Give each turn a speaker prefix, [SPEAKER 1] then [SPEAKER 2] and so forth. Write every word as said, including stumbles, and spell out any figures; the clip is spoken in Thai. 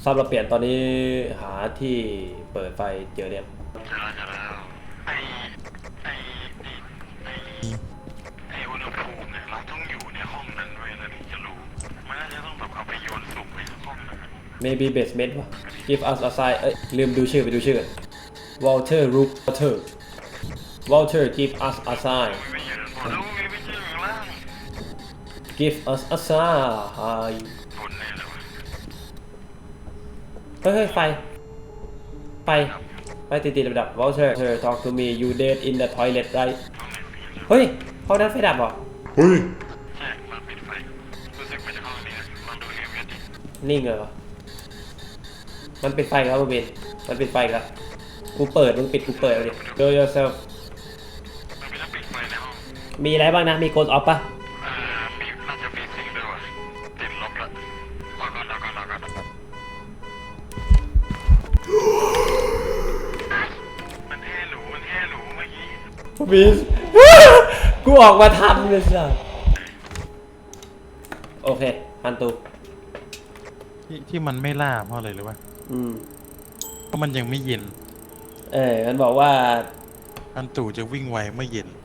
[SPEAKER 1] ซับเราเปลี่ยนตอนนี้หาที่เปิดไฟเจอเนี่ย
[SPEAKER 2] เจอแล้วเจอแล้วไอไอไอไออุณหภูมิเนี่ยเราต้องอยู่ในห้องนั้นด้วยนะถึงจะรู้มันน่าจะต้องแบบเอาไปโยนสุ่มในห้องนั้น
[SPEAKER 1] maybe basement วะ give us a sign เอ้ยลืมดูชื่อไปดูชื่อ Walter Rook Walter Walter give us a sign
[SPEAKER 2] ไม่เยอะแล้วมีไม่เจอข้างล่าง
[SPEAKER 1] give us a sign
[SPEAKER 2] บนแน่เลยวะ
[SPEAKER 1] เฮ้ยไฟไฟไฟติดติดดับ Walter talk to me you dead in the toilet right เฮ้ยห้องนั้นไฟดับเหรอ
[SPEAKER 3] เฮ้ย
[SPEAKER 2] ใช่มันปิดไฟรู้สึกมันจะห้องนี้นะลองดูในเว็บดิ
[SPEAKER 1] นิ่งเลยวะมันปิดไฟแล้วมึงบินมันปิดไฟแล้วกูเปิดมึงปิดกูเปิดเอาดิ do yourself
[SPEAKER 2] มันเป็นต้องปิดไฟในห้อง
[SPEAKER 1] มีอะไรบ้างนะมีโกดออฟปะ
[SPEAKER 2] เอ่อมีน่าจะมีสิ่งด้วยว่ะติดลบละรอก่อนรอก่อนรอก่อนมันเท่หรูมันเท่หรูเมื่อกี้
[SPEAKER 1] บิน กูออกมาทำเลยสิโอเคฮันตู
[SPEAKER 3] ที่ที่มันไม่ล่าเพราะอะไรหรือวะ
[SPEAKER 1] อืม
[SPEAKER 3] เพราะมันยังไม่เย็น
[SPEAKER 1] เออมันบอกว่า
[SPEAKER 3] อันตู่จะวิ่งไวเมื่อเย็น